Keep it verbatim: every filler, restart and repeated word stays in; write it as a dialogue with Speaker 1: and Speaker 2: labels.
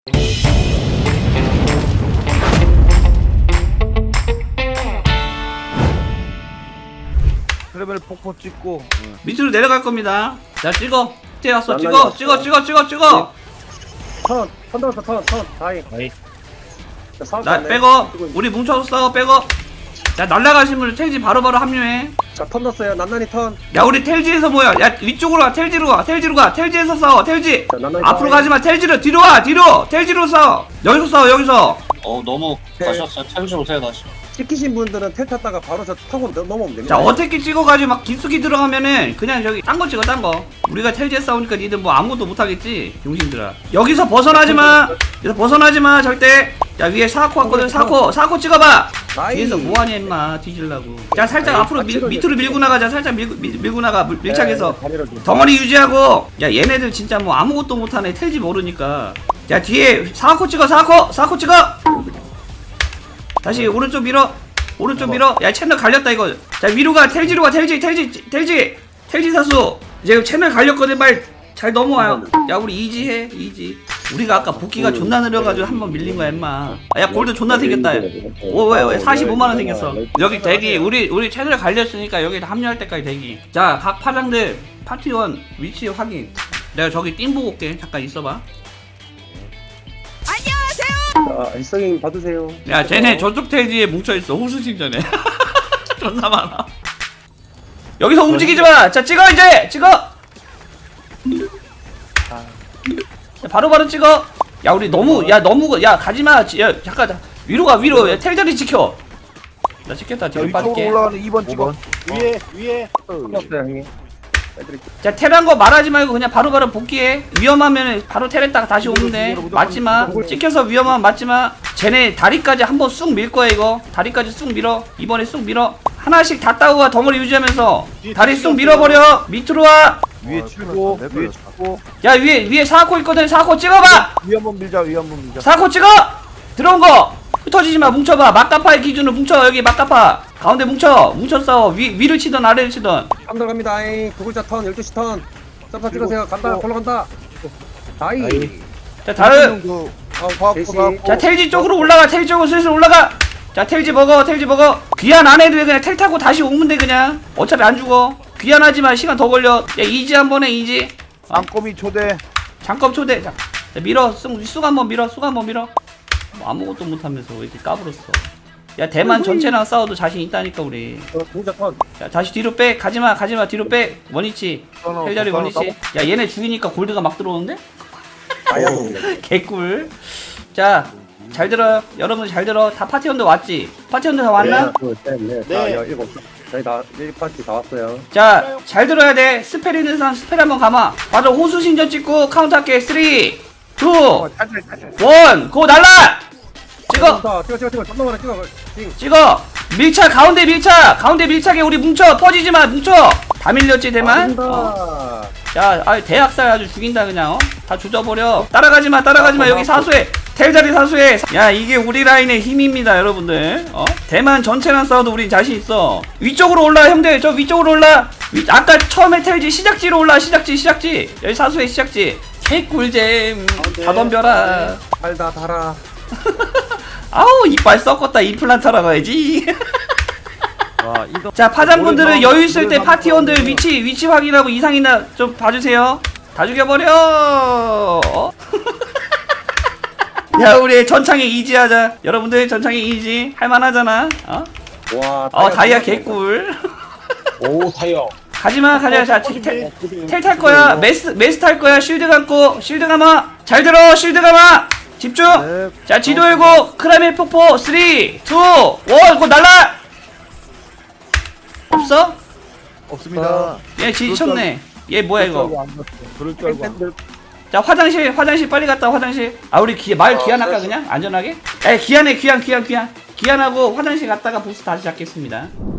Speaker 1: 레벨 폭포 찍고
Speaker 2: 응. 밑으로 내려갈 겁니다. 자 찍어. 밑에 왔어. 찍어.
Speaker 3: 왔어.
Speaker 2: 찍어. 찍어. 찍어. 찍어.
Speaker 3: 턴, 턴 들었어, 턴, 턴, 다이.
Speaker 1: 다이.
Speaker 3: 자, 싸울
Speaker 2: 나
Speaker 3: 거
Speaker 2: 빼고. 우리 뭉쳐서 싸워. 빼고. 자 날라가신 분 텔지 바로바로 합류해.
Speaker 3: 자, 턴 넣었어요. 난난이 턴.
Speaker 2: 야 우리 텔지에서 뭐야? 야 위쪽으로 와. 텔지로 가. 텔지로 가. 텔지에서 싸워. 텔지.
Speaker 3: 자, 난난이
Speaker 2: 앞으로
Speaker 3: 다이.
Speaker 2: 가지마. 텔지로 뒤로 와. 뒤로. 텔지로 싸워. 여기서 싸워. 여기서.
Speaker 4: 어 너무
Speaker 3: 네.
Speaker 4: 가셨어요. 텔지 오세요 다시.
Speaker 3: 찍히신 분들은 텔 탔다가 바로 저 타고 넘- 넘어오면 됩니다.
Speaker 2: 자 어떻게 찍어가지고 막 깊숙이 들어가면은 그냥 저기 딴 거 찍어 딴 거. 우리가 텔지에 싸우니까 니들 뭐 아무것도 못하겠지 용신들아. 여기서 벗어나지마. 여기서 벗어나지마 절대. 야 위에 사코 왔거든. 사코 사코 찍어봐.
Speaker 3: 나이.
Speaker 2: 뒤에서 뭐하냐 임마 뒤질라고. 자 살짝
Speaker 3: 아이,
Speaker 2: 앞으로 밀,
Speaker 3: 빡치러
Speaker 2: 밑으로 밀고 나가자. 살짝 밀고, 밀, 밀고 나가 물- 밀착해서
Speaker 3: 네, 다리를 좀.
Speaker 2: 덩어리 유지하고. 야 얘네들 진짜 뭐 아무것도 못하네. 텔지 모르니까. 자 뒤에 사코 찍어. 사코 사코 찍어. 다시 오른쪽 밀어. 오른쪽 밀어. 야 채널 갈렸다 이거. 자 위로 가. 텔지로 가. 텔지 텔지 텔지 텔지 사수. 이제 채널 갈렸거든. 말 잘 넘어와요. 야 우리 이지해 이지. 우리가 아까 복귀가 존나 느려가지고 한번 밀린 거야 임마. 야 골드 존나 생겼다. 오왜 왜 사십오만 원 생겼어. 여기 대기. 우리 우리 채널 갈렸으니까 여기 합류할 때까지 대기. 자 각 파장들 파티원 위치 확인. 내가 저기 띵 보고 올게. 잠깐 있어봐.
Speaker 3: 자, 일성님 받으세요.
Speaker 2: 야 쟤네 저쪽 텔지에 뭉쳐있어. 호수신전에 존나 많아. 여기서 움직이지 마. 자 찍어 이제 찍어. 자, 바로바로 찍어. 야 우리 너무 야 너무 야 가지마. 야 잠깐 자, 위로 가 위로. 야, 텔자리 지켜. 나 찍겠다.
Speaker 1: 자
Speaker 2: 뒤로
Speaker 1: 위쪽으로
Speaker 2: 빠질게.
Speaker 1: 올라가는 이 번 찍어.
Speaker 5: 위에 위에
Speaker 3: 없어요, 형님. 해드릴게요.
Speaker 2: 자 텔한 거 말하지 말고 그냥 바로바로 복귀해. 위험하면 바로 텔했다가 다시 오면 돼. 맞지마. 찍혀서 위험하면 맞지마. 쟤네 다리까지 한번 쑥 밀 거야 이거. 다리까지 쑥 밀어. 이번에 쑥 밀어. 하나씩 다 따고 와. 덩어리 유지하면서 다리 쑥 밀어버려. 밑으로 와.
Speaker 1: 위에 치고 위에 치고
Speaker 2: 야 위에 위에 사코 있거든. 사코 찍어봐.
Speaker 1: 위 한번 밀자. 위 한번 밀자.
Speaker 2: 사코 찍어. 들어온 거 흩어지지마. 뭉쳐봐. 막가파의 기준으로 뭉쳐. 여기 막가파 가운데 뭉쳐. 뭉쳐 싸워. 위, 위를 치던 아래를 치던.
Speaker 3: 턴 들어갑니다. 아이. 두 글자 턴, 열두 시 턴. 점프 찍으세요. 간다.
Speaker 1: 어.
Speaker 3: 올라간다. 다이.
Speaker 1: 다이.
Speaker 2: 자 다음.
Speaker 1: 그
Speaker 3: 대시.
Speaker 1: 과학부가
Speaker 2: 자 텔지 쪽으로 올라가. 텔지 쪽으로 슬슬 올라가. 자 텔지 먹어. 텔지 먹어. 귀한 안 해도 돼. 그냥 텔 타고 다시 오면 돼 그냥. 어차피 안 죽어. 귀한하지만 시간 더 걸려. 야 이지 한 번에 이지.
Speaker 1: 안꼬미 초대.
Speaker 2: 잠깐 초대. 자, 자 밀어. 쑥, 쑥 한번 밀어. 쑥 한번 밀어. 뭐 아무것도 못하면서 왜 이렇게 까불었어. 야 대만 전체랑 싸워도 자신 있다니까 우리.
Speaker 3: 어, 동자 턴.
Speaker 2: 자 다시 뒤로 빼. 가지마 가지마 뒤로 빼. 원위치. 헬자리 원위치. 야 얘네 죽이니까 골드가 막 들어오는데?
Speaker 3: 다이아몬드.
Speaker 2: 개꿀. 자 잘 들어요. 여러분 잘 들어. 다 파티원들 왔지? 파티원들 다 왔나?
Speaker 3: 하나, 둘, 셋, 넷,
Speaker 5: 네.
Speaker 3: 다, 여, 일곱. 저희 다, 일 파티 다 왔어요.
Speaker 2: 자 잘 들어야 돼. 스펠 있는 사람 스펠 한번 감아. 맞아. 호수신전 찍고 카운트 할게. 삼, 이,
Speaker 1: 어, 탈탈 탈탈.
Speaker 2: 일. 고 날라. 찍어.
Speaker 3: 자, 찍어, 찍어, 찍어. 잠깐만, 찍어. 찍어.
Speaker 2: 찍어. 밀착 가운데 밀착. 가운데 밀착에 우리 뭉쳐. 퍼지지마. 뭉쳐. 다 밀렸지 대만?
Speaker 3: 아,
Speaker 2: 어. 야, 아 대학살 아주 죽인다 그냥. 어? 다 조져버려. 따라가지마, 따라가지마. 여기 사수해. 텔자리 사수해. 야, 이게 우리 라인의 힘입니다, 여러분들. 어? 대만 전체랑 싸워도 우린 자신 있어. 위쪽으로 올라, 형들. 저 위쪽으로 올라. 위, 아까 처음에 텔지 시작지로 올라. 시작지, 시작지. 여기 사수해, 시작지. 개꿀잼. 다 덤벼라.
Speaker 3: 달다, 달아.
Speaker 2: 아우, 이빨 썩었다. 임플란트 하러 가야지.
Speaker 1: 와 이거.
Speaker 2: 자 파장분들은 여유 있을 때 파티원들 위치 위치 확인하고 이상이나 좀 봐주세요. 다 죽여버려. 어? 야 우리 전창에 이지하자. 여러분들 전창에 이지 할만하잖아. 어?
Speaker 3: 와,
Speaker 2: 어 다이아 개꿀.
Speaker 5: 오 타이어.
Speaker 2: 가지마 가자. 자 텔 탈 거야. 메스 메스 탈 거야. 쉴드 감고 쉴드 감아. 잘 들어 쉴드 감아. 집중.
Speaker 1: 네.
Speaker 2: 자 지도 열고 크라멜 폭포 삼, 이, 일. 곧 날라. 없어?
Speaker 1: 없습니다.
Speaker 2: 얘 지쳤네. 얘 뭐야 이거?
Speaker 1: 그럴 줄 알고. 안 봤어.
Speaker 2: 자 화장실 화장실 빨리 갔다 화장실. 아 우리 기, 말 기한할까 그냥 안전하게? 에 기한해 기한 기한 기한 기한하고 화장실 갔다가 보스 다시 잡겠습니다.